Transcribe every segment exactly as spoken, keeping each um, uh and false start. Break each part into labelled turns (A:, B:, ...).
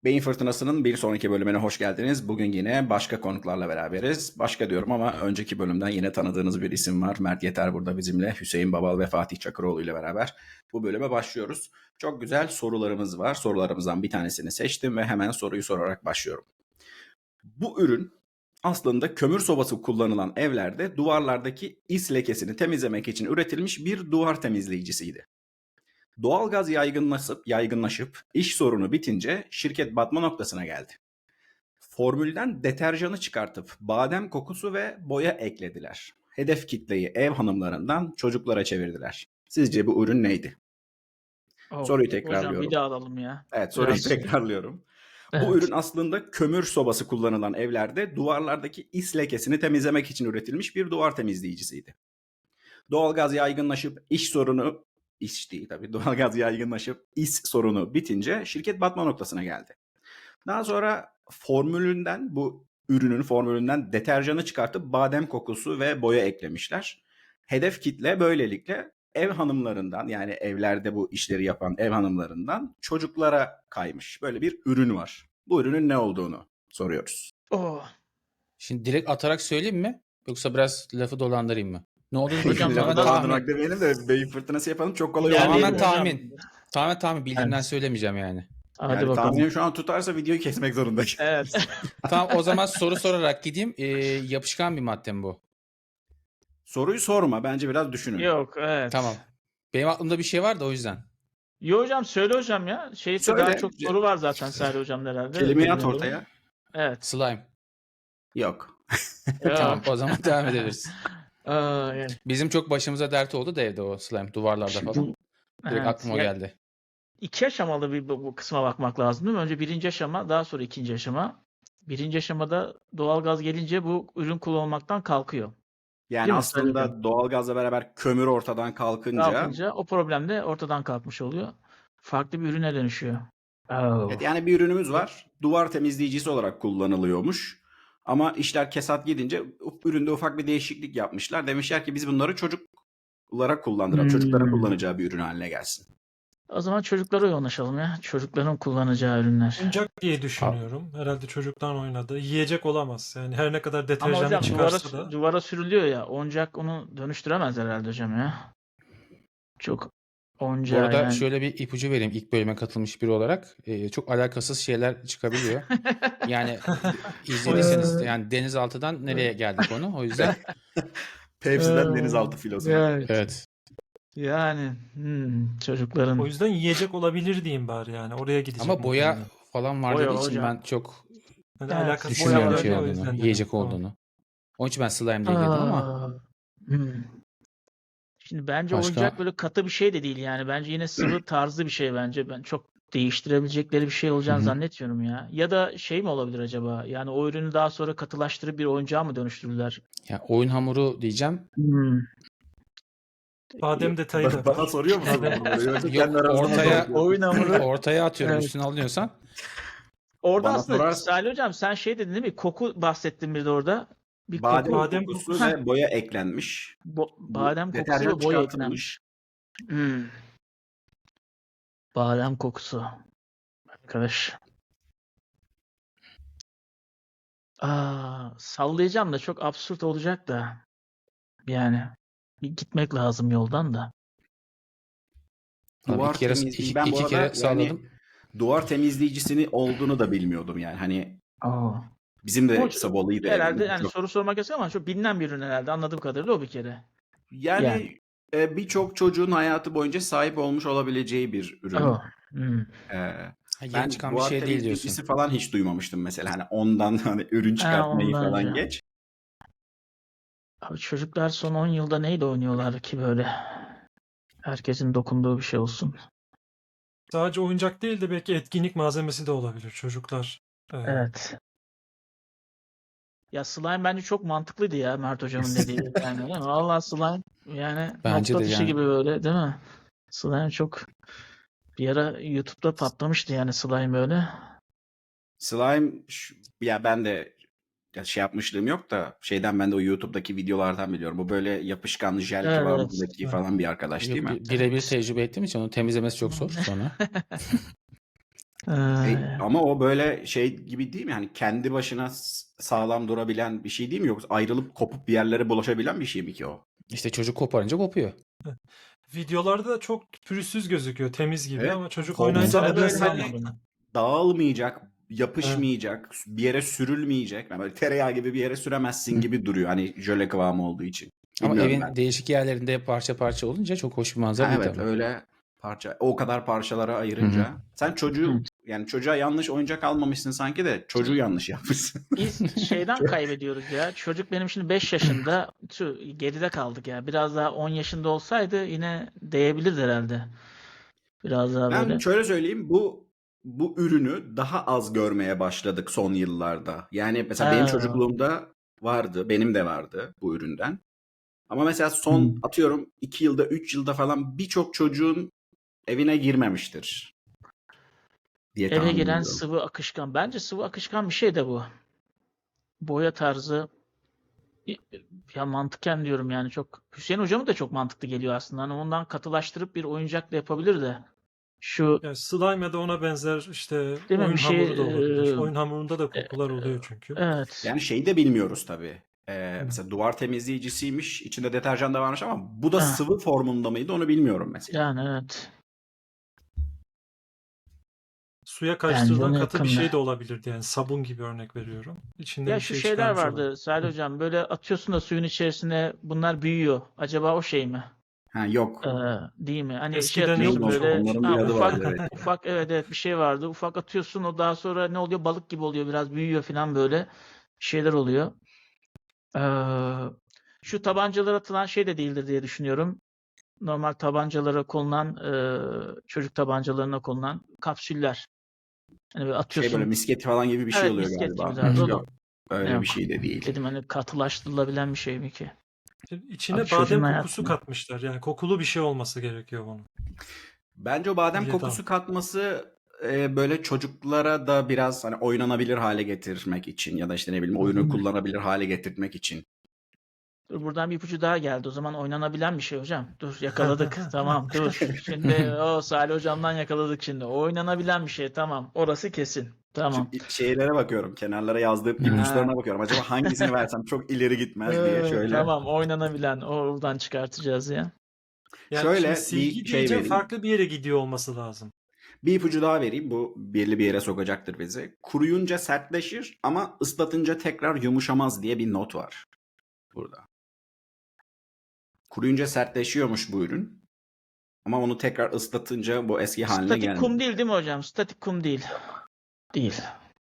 A: Beyin Fırtınası'nın bir sonraki bölümüne hoş geldiniz. Bugün yine başka konuklarla beraberiz. Başka diyorum ama önceki bölümden yine tanıdığınız bir isim var. Mert Yeter burada bizimle. Hüseyin Babal ve Fatih Çakıroğlu ile beraber bu bölüme başlıyoruz. Çok güzel sorularımız var. Sorularımızdan bir tanesini seçtim ve hemen soruyu sorarak başlıyorum. Bu ürün aslında kömür sobası kullanılan evlerde duvarlardaki is lekesini temizlemek için üretilmiş bir duvar temizleyicisiydi. Doğalgaz yaygınlaşıp, yaygınlaşıp iş sorunu bitince şirket batma noktasına geldi. Formülden deterjanı çıkartıp badem kokusu ve boya eklediler. Hedef kitleyi ev hanımlarından çocuklara çevirdiler. Sizce bu ürün neydi?
B: Oh,
A: Soruyu
B: hocam bir
A: tekrarlıyorum.
B: daha alalım ya.
A: Evet, soruyu
B: Biraz.
A: tekrarlıyorum. Bu
B: Evet.
A: ürün aslında kömür sobası kullanılan evlerde duvarlardaki is lekesini temizlemek için üretilmiş bir duvar temizleyicisiydi. Doğalgaz yaygınlaşıp iş sorunu, iş değil tabii, doğalgaz yaygınlaşıp is sorunu bitince şirket batma noktasına geldi. Daha sonra formülünden, bu ürünün formülünden deterjanı çıkartıp badem kokusu ve boya eklemişler. Hedef kitle böylelikle ev hanımlarından, yani evlerde bu işleri yapan ev hanımlarından çocuklara kaymış. Böyle bir ürün var. Bu ürünün ne olduğunu soruyoruz.
B: Oh.
C: Şimdi direkt atarak söyleyeyim mi? Yoksa biraz lafı dolandırayım mı? Ne olduğunu
B: Hocam,
C: bilmiyorum.
A: Lafı
C: Tamamen
B: dolandırmak
A: dolandırmak
C: tahmin.
A: demeyelim de beyin fırtınası yapalım, çok kolay
B: Yani
A: olur.
C: Tamamen
B: hocam.
C: tahmin. Tamamen tahmin. Bildiğimden
B: Evet.
C: söylemeyeceğim yani.
B: Hadi
A: Yani
B: bakalım.
A: tahminim şu an tutarsa videoyu kesmek zorundayım.
B: Evet.
C: Tamam, o zaman soru sorarak gideyim. Ee, yapışkan bir madde mi bu?
A: Soruyu sorma, bence biraz düşünün.
B: Yok, evet.
C: Tamam. Benim aklımda bir şey var da o yüzden.
B: Yo hocam, söyle hocam ya. Şey
A: Söyle.
B: daha çok soru var zaten Salih hocam herhalde.
A: Kelimeyi at
B: Bilmiyorum.
A: ortaya.
B: Evet.
C: Slime.
A: Yok.
C: Tamam,
B: Yok.
C: o zaman devam edebiliriz.
B: Aa, yani.
C: Bizim çok başımıza dert oldu da evde o slime duvarlarda falan. Direkt
B: Evet.
C: aklıma o
B: Ya,
C: geldi.
B: iki aşamalı bir bu, bu kısma bakmak lazım değil mi? Önce birinci aşama, daha sonra ikinci aşama. Birinci aşamada doğalgaz gelince bu ürün kullanılmaktan kalkıyor.
A: Yani
B: Değil mi?
A: aslında
B: Söyle.
A: doğalgazla beraber kömür ortadan kalkınca,
B: Kalkınca o problem de ortadan kalkmış oluyor. Farklı bir ürüne dönüşüyor. Oh.
A: evet, yani bir ürünümüz var. Duvar temizleyicisi olarak kullanılıyormuş. Ama işler kesat gidince üründe ufak bir değişiklik yapmışlar. Demişler ki biz bunları çocuklara kullandıralım.
B: Hmm.
A: Çocukların kullanacağı bir ürün haline gelsin.
B: O zaman çocuklara yoğunlaşalım ya. Çocukların kullanacağı ürünler.
D: Oyuncak diye düşünüyorum. Herhalde çocuktan oynadı. Yiyecek olamaz. Yani her ne kadar
B: Ama
D: deterjanı
B: hocam duvara,
D: çıkarsa da.
B: duvara sürülüyor ya. Oyuncak onu dönüştüremez herhalde hocam ya. Çok
C: Bu
B: oyuncağı
C: arada
B: yani.
C: şöyle bir ipucu vereyim ilk bölüme katılmış biri olarak. Ee, çok alakasız şeyler çıkabiliyor. Yani izlediyseniz yani denizaltıdan nereye geldik onu. O yüzden
A: Pepsi'den denizaltı filosu.
B: Evet.
C: evet.
B: Yani hmm, çocukların
D: O yüzden yiyecek olabilir diyeyim bari yani. Oraya gidecek.
C: Ama boya
D: muhtemelen.
C: falan var
B: Boya
C: dediği için
B: hocam.
C: ben çok
D: Yani
B: Evet,
D: alakası
C: düşünmüyorum
B: boya
D: var
C: şey
D: ya, o
C: olduğunu,
D: yüzden dedim.
C: yiyecek
D: Tamam.
C: olduğunu. Onun için ben slime diye girdim ama
B: Aa, hmm. Şimdi bence
C: Başka?
B: oyuncak böyle katı bir şey de değil yani. Bence yine sıvı tarzı bir şey bence. Ben çok değiştirebilecekleri bir şey olacağını
C: Hı hı.
B: zannetmiyorum ya. Ya da şey mi olabilir acaba? Yani o ürünü daha sonra katılaştırıp bir oyuncağa mı dönüştürürler?
C: ya oyun hamuru diyeceğim.
B: Hmm.
D: Badem detayı da
A: Bana
D: var.
A: soruyor musun
D: Badem-
A: bunları? Yoksa
C: Yok,
A: kendi aranızda mı
C: ortaya-
A: konuşuyorsunuz?
B: Oyun hamuru.
C: Ortaya atıyorum
B: Evet.
C: üstüne alınıyorsan.
B: Orada
A: Bana
B: aslında
A: sorarsan-
B: Salih hocam sen şey dedin değil mi? Koku bahsettin bir de orada. Bir
A: Badem,
B: koku.
D: Badem
A: kokusu
D: kokusu.
A: ve boya eklenmiş.
B: Bo- badem kokusu
A: Deterjan
B: ve boya
A: çıkartılmış.
B: eklenmiş. Hmm. Badem kokusu. Arkadaş. Aa, sallayacağım da çok absürt olacak da. Yani bir gitmek lazım yoldan da.
C: Abi
A: Duvar
C: iki kere,
A: temizliği.
C: iki,
A: Ben bu
C: iki
A: arada
C: kere
A: yani
C: salladım.
A: duvar temizleyicisini olduğunu da bilmiyordum yani. Hani
B: Aa.
A: bizim de
B: Bu
A: Sabolu'ydu
B: herhalde
A: evimizde.
B: yani
A: Çok-
B: soru sormak yasak ama çok bilinen bir ürün herhalde anladığım kadarıyla o bir kere.
A: Yani,
B: Yani.
A: e, birçok çocuğun hayatı boyunca sahip olmuş olabileceği bir ürün.
B: Oh. Hmm.
A: Ee,
C: Ha, yeni
A: ben
C: çıkan bir
A: duvar
C: şey değil
A: temizleyicisi
C: diyorsun.
A: falan hiç duymamıştım mesela. Hani ondan hani ürün
B: Ha,
A: çıkartmayı
B: ondan
A: falan
B: önce.
A: geç.
B: Abi çocuklar son on yılda neyle oynuyorlar ki böyle? Herkesin dokunduğu bir şey olsun.
D: Sadece oyuncak değil de belki etkinlik malzemesi de olabilir çocuklar. Ee,
B: Evet. Ya slime bence çok mantıklıydı ya Mert hocamın dediği. Yani değil mi? Vallahi slime yani
C: Bence
B: nokta
C: de
B: atışı
C: yani.
B: gibi böyle değil mi? Slime çok bir ara YouTube'da patlamıştı yani slime böyle.
A: Slime şu- ya ben de ya şey yapmışlığım yok da şeyden, ben de o YouTube'daki videolardan biliyorum. Bu böyle yapışkan jel
B: Evet,
A: kıvamındaki
D: evet.
A: falan bir arkadaş değil
C: Yok,
A: mi?
C: bi- birebir tecrübe ettiğim için onu temizlemesi çok zor sonra.
A: E,
B: Ee,
A: ama o böyle şey gibi değil mi? Yani kendi başına s- sağlam durabilen bir şey değil mi? Yoksa ayrılıp kopup bir yerlere bulaşabilen bir şey mi ki o?
C: İşte çocuk koparınca kopuyor.
D: Videolarda da çok pürüzsüz gözüküyor, temiz gibi
A: Evet.
D: ama çocuk
A: Kopsa
D: oynayınca
A: da
B: ben de öyle
A: böyle
D: nedense
A: hani
B: sanmadım.
A: dağılmayacak,
D: evet.
A: yapışmayacak, bir yere sürülmeyecek. Yani böyle tereyağı gibi bir yere süremezsin
C: Hı.
A: gibi duruyor. Hani jöle kıvamı olduğu için.
C: Ama
A: Bilmiyorum
C: evin
A: ben.
C: değişik yerlerinde parça parça olunca çok hoş bir manzara
A: Ha,
C: değil
A: evet
C: tabii.
A: öyle parça o kadar parçalara
C: Hı hı.
A: ayırınca sen çocuğu
B: Evet.
A: yani çocuğa yanlış oyuncak almamışsın sanki de çocuğu yanlış yapmışsın.
B: Biz şeyden kaybediyoruz ya. Çocuk benim şimdi beş yaşında. Tüh, geride kaldık ya. Biraz daha on yaşında olsaydı yine değebilirdi herhalde. Biraz daha
A: Ben
B: böyle.
A: şöyle söyleyeyim bu bu ürünü daha az görmeye başladık son yıllarda. Yani mesela benim
B: Ha.
A: çocukluğumda vardı, benim de vardı bu üründen. Ama mesela
B: Hı.
A: son atıyorum iki yılda, üç yılda falan birçok çocuğun evine girmemiştir diye
B: Eve
A: tahmin
B: giren
A: ediyorum.
B: sıvı akışkan. Bence sıvı akışkan bir şey de bu. Boya tarzı. Ya mantıken diyorum yani çok. Hüseyin hocamın da çok mantıklı geliyor aslında. Hani ondan katılaştırıp bir oyuncak da yapabilir de. Şu
D: Yani slime ya da ona benzer işte
B: değil mi bir
D: oyun
B: şey
D: hamuru da olabilir.
B: e,
D: Oyun hamurunda da
B: e,
D: kokular oluyor çünkü.
B: evet.
A: Yani şeyi de bilmiyoruz tabii. Ee,
D: Hı.
A: mesela duvar temizleyicisiymiş, içinde deterjan da varmış ama bu da
B: Ha,
A: sıvı formunda mıydı onu bilmiyorum mesela.
B: yani evet.
D: Suya
B: Bence
D: karıştırılan
B: ona
D: katı bir
B: yakın.
D: şey de olabilirdi. Yani sabun gibi örnek veriyorum. İçinden
B: Ya
D: bir
B: şu
D: şey
B: şeyler
D: çıkarmış olabilir.
B: vardı Salih
D: Hı.
B: hocam. Böyle atıyorsun da suyun içerisine bunlar büyüyor. Acaba o şey mi?
A: Ha yok.
B: Ee, değil mi? Hani şey
D: Eskiden
A: Neydi
B: atıyorsun
D: yoktu
A: o?
D: çok.
B: böyle
A: Onların bir
B: ha,
A: adı vardı
B: ufak
A: evet.
B: ufak evet evet bir şey vardı. Ufak atıyorsun o daha sonra ne oluyor? Balık gibi oluyor. Biraz büyüyor falan böyle şeyler oluyor. Ee, şu tabancalara atılan şey de değildir diye düşünüyorum. Normal tabancalara konulan e, çocuk tabancalarına konulan kapsüller. Hani böyle
A: Şey böyle
B: atıyorsun.
A: misket falan gibi bir şey
B: Evet
A: oluyor
B: misket gibi
A: galiba.
C: Hı
B: tarzı
C: hı.
B: o da
A: Yok. Öyle bir
B: yok.
A: şey de değil.
B: Dedim hani katılaştırılabilen bir şey mi ki?
D: Şimdi
B: Abi
D: İçine
B: çocuğun
D: badem kokusu
B: hayatını.
D: katmışlar. Yani kokulu bir şey olması gerekiyor bunun
A: Bence o badem
D: diye
A: kokusu
D: tahmin.
A: katması e, böyle çocuklara da biraz hani oynanabilir hale getirmek için ya da işte ne bileyim
D: Hı hı.
A: oyunu kullanabilir hale getirmek için.
B: Dur buradan bir ipucu daha geldi. O zaman oynanabilen bir şey hocam. Dur yakaladık. Tamam dur. Şimdi o Salih hocamdan yakaladık şimdi. O oynanabilen bir şey. Tamam. Orası kesin.
A: Şu
B: Tamam.
A: i- şeylere bakıyorum. Kenarlara yazdığım
C: Hı hı.
A: ipuçlarına
B: Ha.
A: bakıyorum. Acaba hangisini versem çok ileri gitmez diye
B: Ee,
A: şöyle.
B: tamam oynanabilen. Oradan çıkartacağız ya.
D: Yani şimdi
A: Şöyle
D: silgi
A: bir şey
D: deyince
A: vereyim.
D: farklı bir yere gidiyor olması lazım.
A: Bir ipucu daha vereyim. Bu belli bir yere sokacaktır bizi. Kuruyunca sertleşir ama ıslatınca tekrar yumuşamaz diye bir not var burada. Kuruyunca sertleşiyormuş bu ürün. Ama onu tekrar ıslatınca bu eski haline
B: Statik kum
A: gelmiyor.
B: değil değil mi hocam? Statik kum değil.
A: Yok.
B: Değil.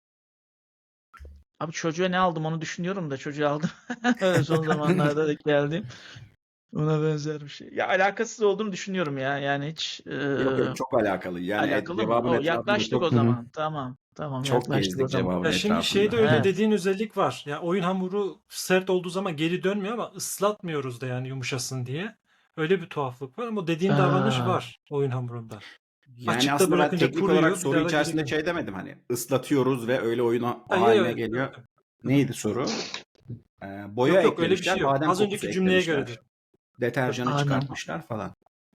B: Abi çocuğa ne aldım onu düşünüyorum da çocuğa aldım. Son zamanlarda da geldim. Ona benzer bir şey. Ya alakasız olduğunu düşünüyorum ya. Yani hiç e,
A: Yok yok çok alakalı. Yani et-
B: alakalı mı?
A: cevabın
B: O
A: etrafında
B: yaklaştık o
A: çok
C: Hı hı.
B: zaman. Tamam. Tamam
A: çok
B: yaklaştık o
A: gezdik
B: zaman.
A: cevabın
D: Ya şimdi şeyde
A: etrafında.
D: öyle
B: Evet.
D: dediğin özellik var. Ya oyun hamuru sert olduğu zaman geri dönmüyor ama ıslatmıyoruz da yani yumuşasın diye. Öyle bir tuhaflık var ama dediğin davranış
B: Aa,
D: var oyun hamurunda.
A: Yani
D: Açıkta
A: aslında ben
D: bırakınca
A: teknik olarak
D: kuruyor, bir
A: soru
D: daha da geri
A: içerisinde
D: gelmiyor.
A: şey demedim hani ıslatıyoruz ve öyle oyun ha-
D: Ha, ya,
A: haline
D: ya,
A: geliyor.
D: yok. Hı hı.
A: Neydi soru? Ee, boya
D: Yok yok öyle bir şey
A: eklemişler,
D: yok.
A: badem
D: Az
A: kokusu
D: önceki cümleye göre
A: eklemişler,
D: dedim. Tabii.
A: deterjanı
B: anam.
A: çıkartmışlar falan.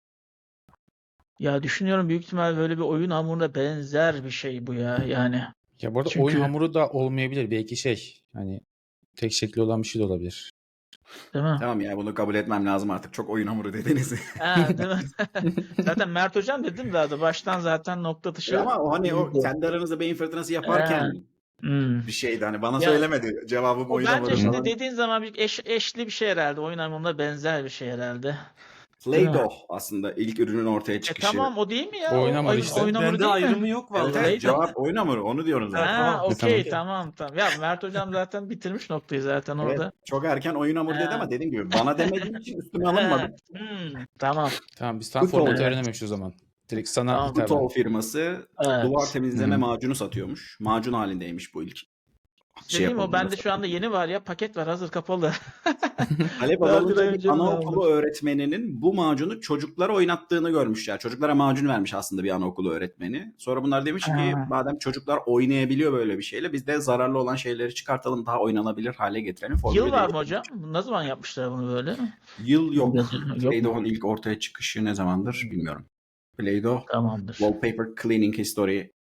B: Ya düşünüyorum büyük ihtimal böyle bir oyun hamuruna benzer bir şey bu ya yani.
C: Ya bu arada oyun
B: Çünkü
C: hamuru da olmayabilir. Belki şey hani tek şekli olan bir şey de olabilir.
B: değil mi?
A: Tamam ya bunu kabul etmem lazım artık. Çok oyun hamuru dediniz.
B: Ha, değil mi? Zaten Mert hocam dedim daha da baştan zaten nokta
A: E
B: atışı
A: ama o hani o
B: iyiydi.
A: kendi aranızda beyin fırtınası
B: Ee,
A: yaparken
B: hmm.
A: bir şeydi hani bana
B: Ya
A: söylemedi. Cevabım
B: o
A: oyun
B: bence
A: hamuru
C: Hı hı.
B: şimdi
A: falan.
B: dediğin zaman bir eş, eşli bir şey herhalde. Oyun hamuruna benzer bir şey herhalde. Değil mi?
A: Play-Doh aslında ilk ürünün ortaya
B: E
A: çıkışı.
B: tamam o değil mi ya?
C: Oyun
B: O
C: hamuru
B: oyun,
C: işte.
B: oyun
D: Ben,
B: hamuru
D: bende
B: değil
D: ayrımı
B: mi?
D: yok
A: Evet
D: vallahi.
A: evet
B: Play-Doh.
A: cevap oyun hamuru onu diyorum
D: Ha,
A: zaten.
B: Ha
D: tamam.
C: E, tamam.
B: okey
D: Okey.
B: tamam tamam. Ya Mert hocam zaten bitirmiş noktayı zaten
A: Evet
B: orada.
A: çok erken oyun hamuru dedi
B: Ha.
A: ama dediğim gibi bana demediği için üstüme alınmadım.
B: Hmm, tamam.
C: Tamam biz tam formatı
A: Kutol,
B: Evet.
C: öğrenememiş o zaman. Direkt sana
B: Tamam.
C: hitaben.
A: Kutol firması duvar
B: Evet.
C: Hı
A: temizleme
C: hı.
A: macunu satıyormuş. Macun halindeymiş bu ilk şey
B: Dediğim o
A: yapıldığında
B: bende şu anda
A: satıldığında.
B: yeni var ya paket var hazır kapalı.
A: Talep
B: Daha bir ay
A: azalınca bir
B: önce mi ne
A: anaokulu
B: almıştım?
A: öğretmeninin bu macunu çocuklara oynattığını görmüşler. Çocuklara macun vermiş aslında bir anaokulu öğretmeni. Sonra bunlar demiş ki
B: Ha.
A: madem çocuklar oynayabiliyor böyle bir şeyle biz de zararlı olan şeyleri çıkartalım daha oynanabilir hale getirelim.
B: Yıl
A: Formülü
B: var mı
A: değiştirmiş.
B: hocam? Ne zaman yapmışlar bunu böyle?
A: Yıl yok.
B: Yok mu?
A: Play-Doh'un ilk ortaya çıkışı ne zamandır bilmiyorum. Play-Doh
B: Tamamdır.
A: Wallpaper Cleaning History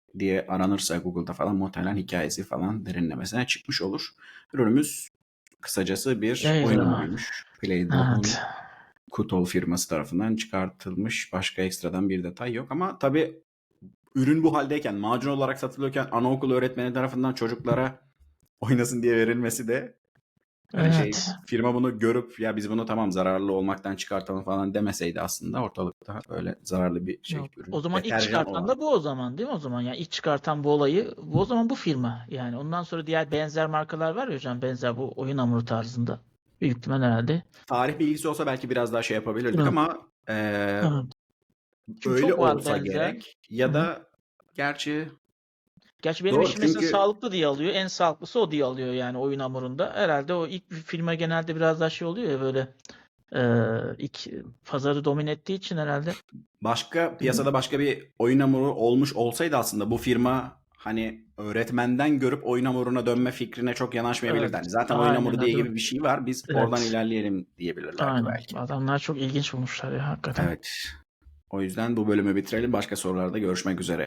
A: diye aranırsa Google'da falan muhtemelen hikayesi falan derinlemesine çıkmış olur. Ürünümüz kısacası bir oyun
B: Eyvah.
A: hamuruymuş. Playdoh'un
B: Evet.
A: Kutol firması tarafından çıkartılmış. Başka ekstradan bir detay yok ama tabii ürün bu haldeyken, macun olarak satılıyorken anaokulu öğretmeni tarafından çocuklara oynasın diye verilmesi de hani şey
B: Evet.
A: firma bunu görüp ya biz bunu tamam zararlı olmaktan çıkartalım falan demeseydi aslında ortalıkta böyle zararlı bir şey
B: Yok.
A: ürün.
B: O zaman ilk
A: Deterjan
B: çıkartan
A: olarak.
B: da bu o zaman değil mi o zaman? Yani ilk çıkartan bu olayı bu o zaman bu firma. Yani ondan sonra diğer benzer markalar var ya hocam benzer bu oyun hamuru tarzında. Büyük ihtimal herhalde.
A: Tarih bilgisi olsa belki biraz daha şey yapabilirdik
B: Evet.
A: ama eee,
B: Evet. Çünkü
A: öyle
B: çok var
A: olsa
B: benzer.
A: gerek ya
B: Hı hı.
A: da gerçi
B: Gerçi benim
A: doğru
B: eşim mesela
A: çünkü
B: sağlıklı diye alıyor. En sağlıklısı o diye alıyor yani oyun hamurunda. Herhalde o ilk bir firma genelde biraz daha şey oluyor ya böyle eee ilk pazarı domine ettiği için herhalde.
A: başka piyasada başka bir oyun hamuru olmuş olsaydı aslında bu firma hani öğretmenden görüp oyun hamuruna dönme fikrine çok yanaşmayabilirdi.
B: Evet.
A: Hani zaten oyun
B: Aynen
A: hamuru diye
B: hadi.
A: gibi bir şey var. Biz oradan
B: Evet.
A: ilerleyelim diyebilirlerdi
B: Aynen.
A: belki.
B: Adamlar çok ilginç bulmuşlar ya hakikaten.
A: Evet. O yüzden bu bölümü bitirelim. Başka sorularda görüşmek üzere.